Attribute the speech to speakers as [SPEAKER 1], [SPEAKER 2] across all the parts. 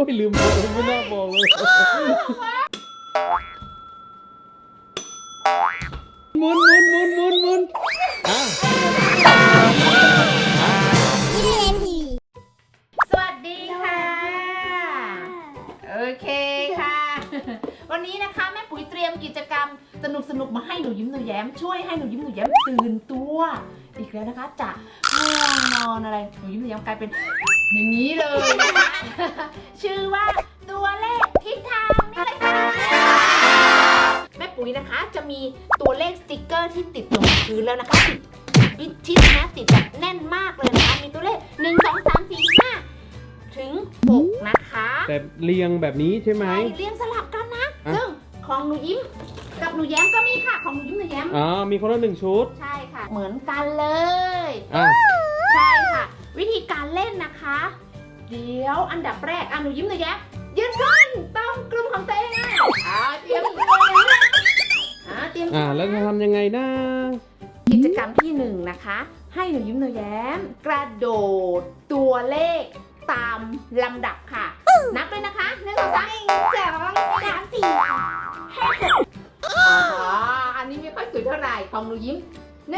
[SPEAKER 1] อ้ยลืมบอกไม่น่าบอกเลยหมุนอ่ะ
[SPEAKER 2] สวัสดีค่ะโอเคค่ะวันนี้นะคะแม่ปุ๋ยเตรียมกิจกรรมสนุกมาให้หนูยิ้มหนูแย้มช่วยให้หนูยิ้มหนูแย้มตื่นตัวอีกแล้วนะคะจากง่วงนอนอะไรหนูยิ้มหนูแย้มกลายเป็นอย่างนี้เลยนะคะชื่อว่าตัวเลขทิศทางนี่เลยค่ะแม่ปุ๋ยนะคะจะมีตัวเลขสติกเกอร์ที่ติดลงพื้นแล้วนะคะติดชิดนะติดแบบแน่นมากเลยนะคะมีตัวเลข1 2 3 4 5ถึง6นะคะ
[SPEAKER 1] แต่เรียงแบบนี้ใช่ไหม
[SPEAKER 2] ใช่เรียงสลับกันนะซึ่งของหนูยิ้มกับหนูแย้มก็มีค่ะของหนูยิ้มหนูแย้ม
[SPEAKER 1] อ๋อมีคนละ1 ชุด
[SPEAKER 2] ใช่ค่ะเหมือนกันเลย
[SPEAKER 1] อ่ะ
[SPEAKER 2] ใช่ค่ะวิธีการเล่นนะคะเดี๋ยวอันดับแรกหนูยิ้มหนูแย้มยืนขึ้นต้องกลุ่มของตัวเองเตรียมตัวนะเตรียมตัว
[SPEAKER 1] แล้วจะทำยังไงนะ
[SPEAKER 2] กิจกรรมที่1นะคะให้หนูยิ้มหนูแย้มกระโดดตัวเลขตามลำดับค่ะนับเลยนะคะ1 2 3 4 5 อันนี้ไม่ค่อยสวยเท่าไหร่ของหนูยิ้ม1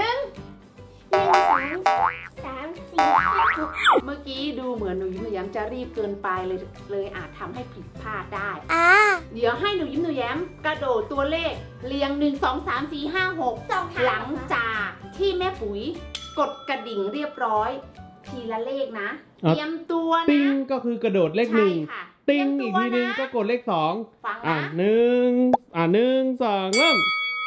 [SPEAKER 2] เมื่อกี้ดูเหมือนหนูยิ้มหนูแย้มจะรีบเกินไปเลยอาจทำให้ผิดพลาดได้เดี๋ยวให้หนูยิ้มหนูแย้มกระโดดตัวเลขเรียง1 2 3 4 5 6หลังจากที่แม่ปุ๋ยกดกระดิ่งเรียบร้อยทีละเลขนะเตรียมตัวนะ
[SPEAKER 1] ติ้งก็คือกระโดดเลข
[SPEAKER 2] ใช่
[SPEAKER 1] 1
[SPEAKER 2] ค่ะ
[SPEAKER 1] ติ้งอีกทีนึงก็กดเลข2
[SPEAKER 2] ฟัง
[SPEAKER 1] อ่ะ
[SPEAKER 2] นะ
[SPEAKER 1] 1 2 เริ่ม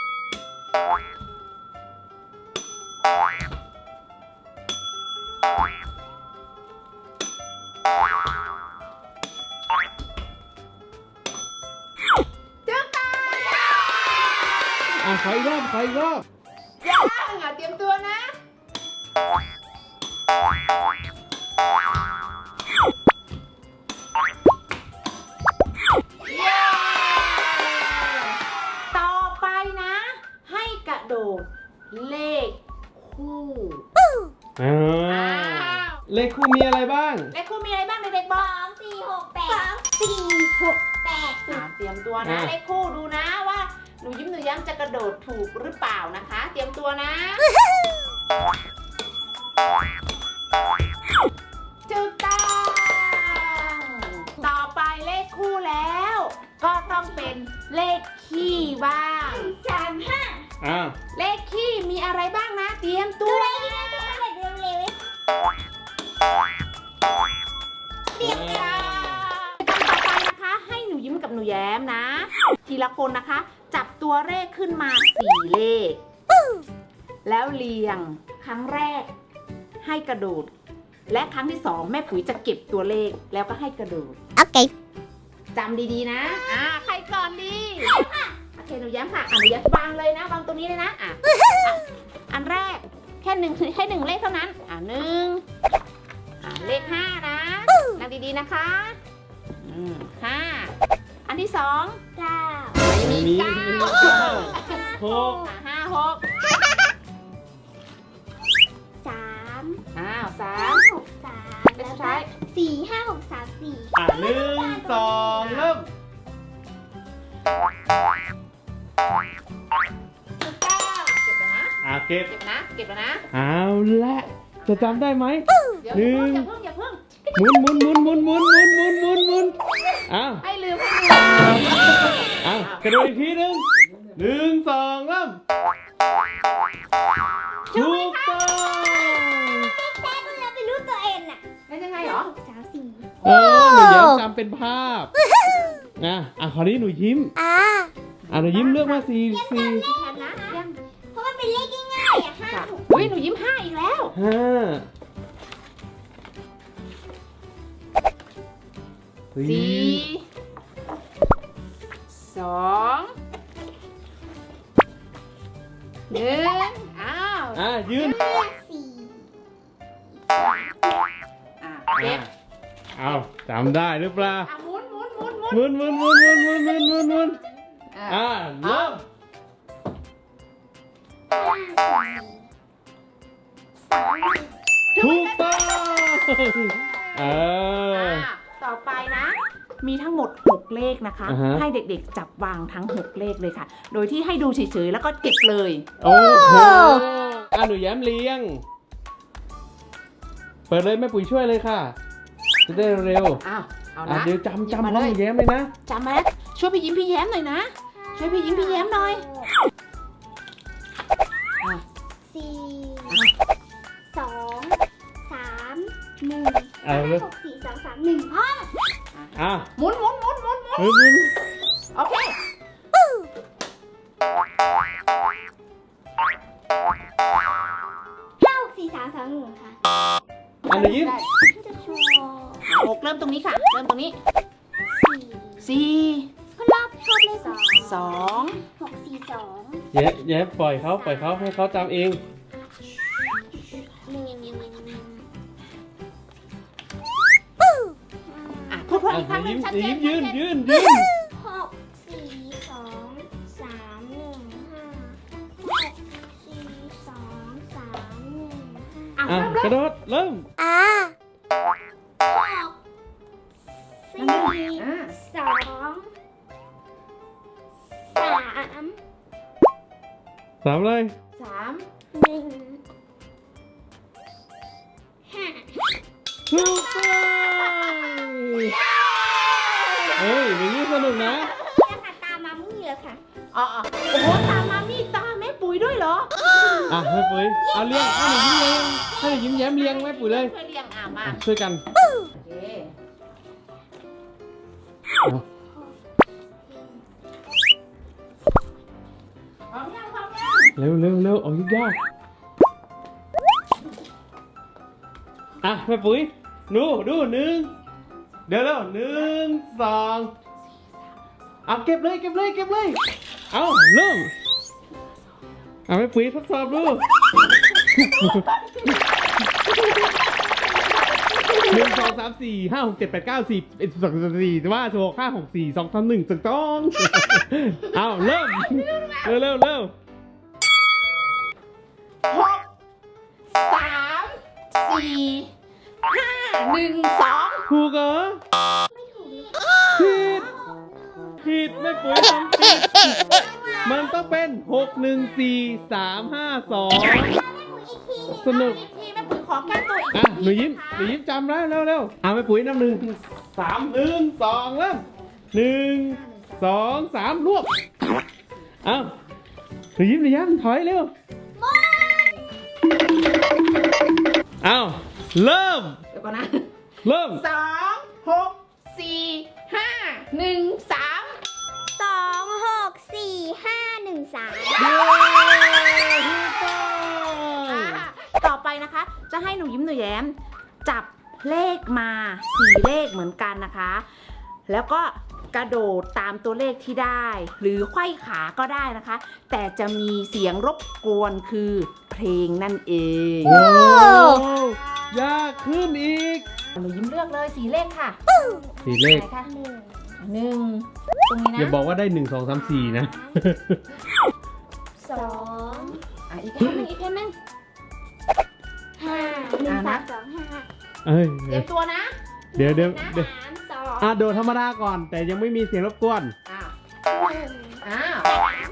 [SPEAKER 1] ขออีกรอบ
[SPEAKER 2] ยังเตรียมตัวนะต่อไปนะ ให้กระโดดเลขคู่
[SPEAKER 1] เลขคู่มีอะไรบ้าง
[SPEAKER 2] เลขคู่มีอะไรบ้างเด็กๆบอก
[SPEAKER 3] 2 4 6 8
[SPEAKER 2] เตรียมตัวนะเลขคู่ดูนะว่าหนูยิ้มหนูแย้มจะกระโดดถูกหรือเปล่านะคะ เตรียมตัวนะจุดต้องต่อไปเลขคู่แล้ว ก็ต้องเป็นเลขคี่บ้าง
[SPEAKER 3] 3 5
[SPEAKER 2] เลขคี่มีอะไรบ้างนะ เตรียมตัว เตรียมตัวต่อไปนะคะให้หนูยิ้มกับหนูแย้มนะ ทีละคนนะคะ จับตัวเลขขึ้นมา4เลขแล้วเรียงครั้งแรกให้กระโดดและครั้งที่2แม่ปุ๋ยจะเก็บตัวเลขแล้วก็ให้กระโดด
[SPEAKER 3] โอเค
[SPEAKER 2] จำดีๆนะใครก่อนดีโอเคหนูแย้มค่ะหนูแย้มวางเลยนะวางตรงนี้เลยนะอันแรกแค่1เลขเท่านั้นเลข5นะนั่งดีๆนะคะ5อันที่2
[SPEAKER 3] 9
[SPEAKER 1] ไม่มี
[SPEAKER 2] 9
[SPEAKER 1] 6
[SPEAKER 2] 5 6
[SPEAKER 3] 3
[SPEAKER 2] 3
[SPEAKER 3] 6 3
[SPEAKER 2] เลขสุดท้าย
[SPEAKER 3] 4 5 6 3 4
[SPEAKER 1] 1 2 เริ่ม
[SPEAKER 2] เก็บแล้วนะ
[SPEAKER 1] เก็บ
[SPEAKER 2] เก็บแล้วนะ
[SPEAKER 1] เอาละจะจำได้ไหม
[SPEAKER 2] เดี๋ยว
[SPEAKER 1] หนึ่ง
[SPEAKER 2] อย่าเพิ่ง
[SPEAKER 1] หมุน
[SPEAKER 2] ให้ลืม
[SPEAKER 1] กระโดดอีกทีนึง1 2 เริ่มถูกต้อง
[SPEAKER 3] แค่คุณเราไปรู้ตัวเองน่ะ
[SPEAKER 2] ได้ยังไงเหรอ
[SPEAKER 3] 3 4
[SPEAKER 1] หนูยิ้มจำเป็นภาพคราวนี้หนูยิ้มหนูยิ้มเลือกมา4
[SPEAKER 2] พี่แทนนะยัง
[SPEAKER 3] เพราะมันเป็นเลขง่ายๆอ่ะ5 6
[SPEAKER 2] อุ้ยหนูยิ้ม5อีกแล้ว
[SPEAKER 1] 5
[SPEAKER 2] 4 2 1
[SPEAKER 1] ยืน
[SPEAKER 2] เก็บ
[SPEAKER 1] จำได้หรือเปล่า
[SPEAKER 2] หมุน
[SPEAKER 1] หมุนเริ่มถูกต้อง
[SPEAKER 2] ต่อไปนะมีทั้งหมด6เลขนะคะ
[SPEAKER 1] อ่าฮะ
[SPEAKER 2] ให้เด็กๆจับวางทั้ง6เลขเลยค่ะ โดยที่ให้ดูเฉยๆแล้วก็เก็บเลย
[SPEAKER 1] โอ้โหหนูแย้มเลี้ยง เปิดเลยแม่ปุ๋ยช่วยเลยค่ะ จะได้เร็ว
[SPEAKER 2] อ้าวเอา
[SPEAKER 1] อ่ะ
[SPEAKER 2] นะ
[SPEAKER 1] เดี๋ยวจำ
[SPEAKER 2] หยิบ
[SPEAKER 1] พร้อ
[SPEAKER 2] มาม เลย
[SPEAKER 1] หนูแย้มเลยนะ
[SPEAKER 2] จำมาแล้วช่วยพี่ยิ้มพี่แย้มหน่อยนะ ช่วยพี่ยิ้มพี่แย้มหน่อยอ่ะ
[SPEAKER 3] สี่สองสามหนึ่ง
[SPEAKER 1] เอาเลย
[SPEAKER 3] 6 4 3 3 1พ่อ
[SPEAKER 1] อ่ะ
[SPEAKER 2] หมุนหมุนหมุนหมุนหมุน
[SPEAKER 1] เฮ้ยมึง
[SPEAKER 2] โอเค
[SPEAKER 3] 5 6 4 3 2 1ค่ะ
[SPEAKER 1] อ่ะหนูยิ้ม
[SPEAKER 3] จะโชว์
[SPEAKER 2] 6เริ่มตรงนี้ค่ะ เริ่มตรงนี้
[SPEAKER 3] 4
[SPEAKER 2] 4
[SPEAKER 3] คนรอบชอบเลข2
[SPEAKER 2] 2
[SPEAKER 3] 6 4 2
[SPEAKER 1] แย้มปล่อยเขาให้เขาจำเอง
[SPEAKER 2] อ่ะพูดพร้อม
[SPEAKER 1] อ่ะ
[SPEAKER 2] อีกครั้งห
[SPEAKER 1] หนู
[SPEAKER 2] นึ่งชัด
[SPEAKER 1] ยิ้ม
[SPEAKER 2] เจน
[SPEAKER 1] ยืน
[SPEAKER 2] ชัดเจ
[SPEAKER 1] ยืน
[SPEAKER 3] 6 4 2 3 1 5 6 4 2 3 1
[SPEAKER 2] อ่ะ
[SPEAKER 1] อ่ะ
[SPEAKER 2] เริ่ม
[SPEAKER 1] กระโดดเริ่ม
[SPEAKER 3] 5 6
[SPEAKER 2] อ่ะ
[SPEAKER 3] 4 2 3
[SPEAKER 1] สามเลย
[SPEAKER 2] 3
[SPEAKER 3] 1 5
[SPEAKER 1] ถูกต้องเฮ้ยอย่างนี้สนุกนะ
[SPEAKER 3] นี่ค่ะตามมามี่เลยค่ะ
[SPEAKER 2] อ๋อโอ้โหตามมามีตามแม่ปุ๋ยด้วยเหรอ
[SPEAKER 1] อ่ะแม่ปุ๋ยเอาเลี้ยงให้หนูยิ้มแย้มเลี้ยงแม่ปุ๋ยเลย
[SPEAKER 2] ช่วยเรียงอ่ะมา
[SPEAKER 1] อ่ะช่วยกัน
[SPEAKER 2] โอเค
[SPEAKER 1] เอา
[SPEAKER 2] พร้อมยังพร้อมยัง
[SPEAKER 1] เร็วเอายากอ่ะแม่ปุ๋ยดู1เดี๋ยว1 2เอาเก็บเลยเอาเริ่มเอาแม่ปุ๋ยทดสอบดู1 2 3 4 5 6 7 8 9 10 11 12 13 14 15 16 5 6 4 2 3 1ถูกต้องเอาเริ่มเร็ว
[SPEAKER 2] 6 3 4 5 1 2
[SPEAKER 1] ถูกเหรอผิดไม่ปุ๋ยทำผิดมันต้องเป็น6 1 4 3 5 2สนุก
[SPEAKER 2] อีกทีแม่ปุ๋ยขอแก้ตัวอีก
[SPEAKER 1] อ่ะหนูยิ้มจำแล้วเร็วอ่ะแม่ปุ๋ยนับ1 3 1 2เริ่ม1 2 3รวบเอ้าหนูยิ้มถอยเร็วเอ้าเริ่ม
[SPEAKER 2] เดี๋ยวก่อนนะ
[SPEAKER 1] เริ่ม
[SPEAKER 2] 2 6 4 5 1 3
[SPEAKER 3] 2 6 4 5 1 3
[SPEAKER 1] เย้ถูกต้อง
[SPEAKER 2] ต่อไปนะคะ จะให้หนูยิ้มหนูแย้ม จับเลขมา4เลขเหมือนกันนะคะ แล้วก็กระโดดตามตัวเลขที่ได้ หรือไขว้ขาก็ได้นะคะ แต่จะมีเสียงรบกวนคือเพลงนั่นเอง
[SPEAKER 1] โอ้ยากขึ้นอีก
[SPEAKER 2] หนูยิ้มเลือกเลย4เลขค่ะ
[SPEAKER 1] 4เลข
[SPEAKER 2] ไหนคะ1ตรงนี้นะ
[SPEAKER 1] อย่าบอกว่าได้1 2 3 4นะ
[SPEAKER 3] 2
[SPEAKER 2] อ่ะอีกแค่นึงอีกแค่นึง
[SPEAKER 3] 5 1 3 2 5
[SPEAKER 1] เอ้ย
[SPEAKER 2] เตรียมตัวนะ
[SPEAKER 1] เดี๋ยว
[SPEAKER 3] 3 2
[SPEAKER 1] โดดธรรมดาก่อน แต่ยังไม่มีเสียงรบกวน
[SPEAKER 2] อ้าว
[SPEAKER 3] 1
[SPEAKER 2] อ้าว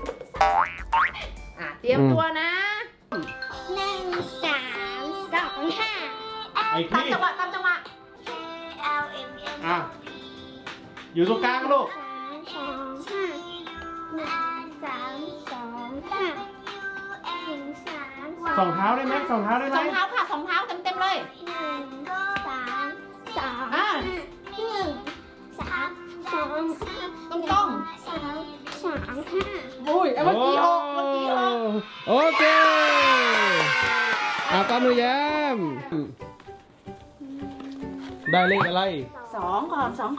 [SPEAKER 2] เตรียมตัวนะ
[SPEAKER 3] 1 3 2 5
[SPEAKER 1] ไอ้
[SPEAKER 2] ตาม
[SPEAKER 1] ที่
[SPEAKER 2] จังหวะตามจังหวะ
[SPEAKER 3] L M N
[SPEAKER 1] อ่ะอยู่ตรงกลางลูก สองเท้าได้ไหมสองเท้าได้ไหม
[SPEAKER 2] สองเท้าค่ะสองเท้าเต็มๆเลย ตรง อุ้ยเมื่อกี้หกเมื่อกี้หก
[SPEAKER 1] โอเคตามหนูแย้ม ได้เลขอะไร
[SPEAKER 2] สองก่อนอ่า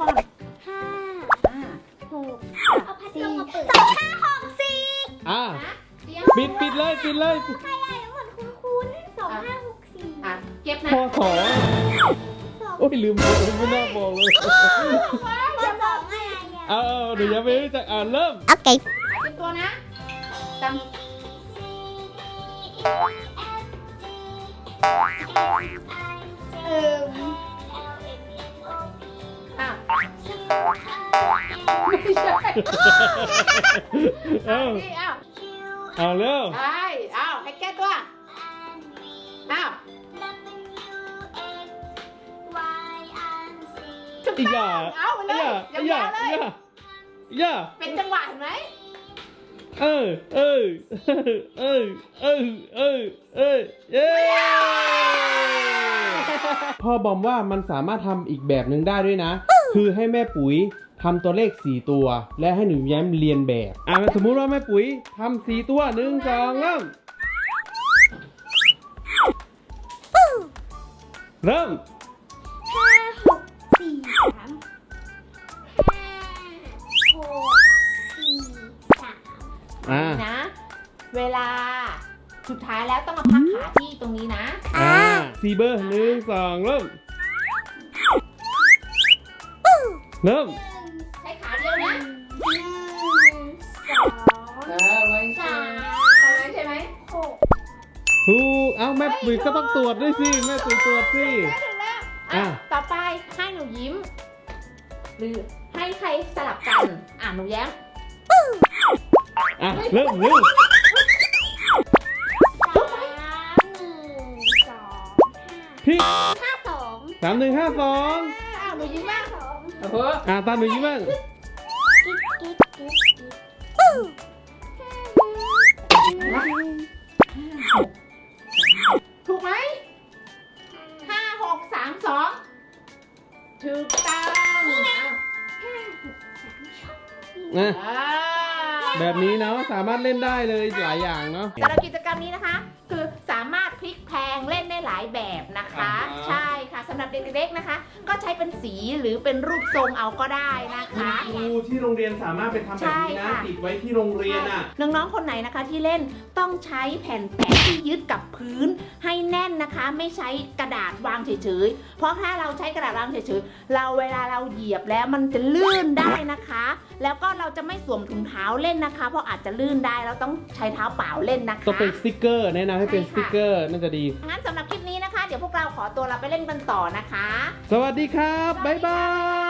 [SPEAKER 1] อ่ะ
[SPEAKER 2] นะเตรียม
[SPEAKER 1] ปิดเลย
[SPEAKER 2] อ่ะเก็บนะ
[SPEAKER 1] พอสองโอ้ยลืมไม่น่าบอกเลยเอาหนูแย้มไม่รู้จักเริ่ม
[SPEAKER 2] เตรียมตัวนะจำอ่ะ
[SPEAKER 1] เอา
[SPEAKER 2] นี่เอา
[SPEAKER 1] เอาเร็ว
[SPEAKER 2] ใช่เอาให้แก้ตัวเอาถูก
[SPEAKER 1] อี
[SPEAKER 2] ต้
[SPEAKER 1] ย่า
[SPEAKER 2] องเอาไปเลย
[SPEAKER 1] อีย่าย
[SPEAKER 2] าวๆเลย
[SPEAKER 1] ย่า
[SPEAKER 2] เป็นจังหวะเห็นไหม
[SPEAKER 1] เออเย้พ่อบอมว่ามันสามารถทำอีกแบบหนึ่งได้ด้วยนะ คือให้แม่ปุ๋ยทำตัวเลข4ตัว และให้หนูแย้มเรียนแบบสมมุติว่าแม่ปุ๋ยทำ4ตัว1 2เริ่ม
[SPEAKER 2] นะ เวลาสุดท้ายแล้วต้องมาพักขาที่ตรงนี้นะ
[SPEAKER 1] 4 เบอร์1 2เริ่ม
[SPEAKER 2] ใช้ขาเดียวนะไว้ใช่ใช่ไหม
[SPEAKER 1] ถูกแม่ปุ๋ยก็ต้องตรวจด้วยสิแม่ปุ๋ยตรวจสิ
[SPEAKER 2] ถึงแล้วต่อไปให้หนูยิ้ม หรือให้ใครสลับกันหนูแย้ม
[SPEAKER 1] เริ่ม พี่ 3 1 5 2
[SPEAKER 2] หนูยิ้มบ้าง
[SPEAKER 1] ตามหนูยิ้มบ้าง
[SPEAKER 2] ถูกไหม5 6 3 2ถูกต้อง
[SPEAKER 1] แบบนี้เนาะสามารถเล่นได้เลยหลายอย่างเนาะ
[SPEAKER 2] สำหรับกิจกรรมนี้นะคะ คือสามารถพลิกแพลงเล่นได้หลายแบบนะคะ ใช่ค่ะสำหรับเด็กๆนะคะ ก็ใช้เป็นสีหรือเป็นรูปทรงเอาก็ได้นะคะ
[SPEAKER 1] ครูที่โรงเรียนสามารถไปทำแบบนี้นะติดไว้ที่โรงเรียน
[SPEAKER 2] น้องๆคนไหนนะคะที่เล่นต้องใช้แผ่นแปะที่ยึดกับพื้นให้แน่นนะคะ ไม่ใช้กระดาษวางเฉยๆเพราะถ้าเราใช้กระดาษวางเฉยๆเวลาเราเหยียบแล้วมันจะลื่นได้นะคะ แล้วก็เราจะไม่สวมถุงเท้าเล่นนะคะ เพราะอาจจะลื่นได้เราต้องใช้เท้าเปล่าเล่นนะคะ
[SPEAKER 1] ต้องเป็นสติ๊กเกอร์แนะนำให้เป็นสติ๊กเกอร์น่าจะดี
[SPEAKER 2] งั้นสำหรับคลิปนี้นะคะ เดี๋ยวพวกเราขอตัวเราไปเล่นกันต่อนะคะ
[SPEAKER 1] สวัสดีครับบ๊ายบาย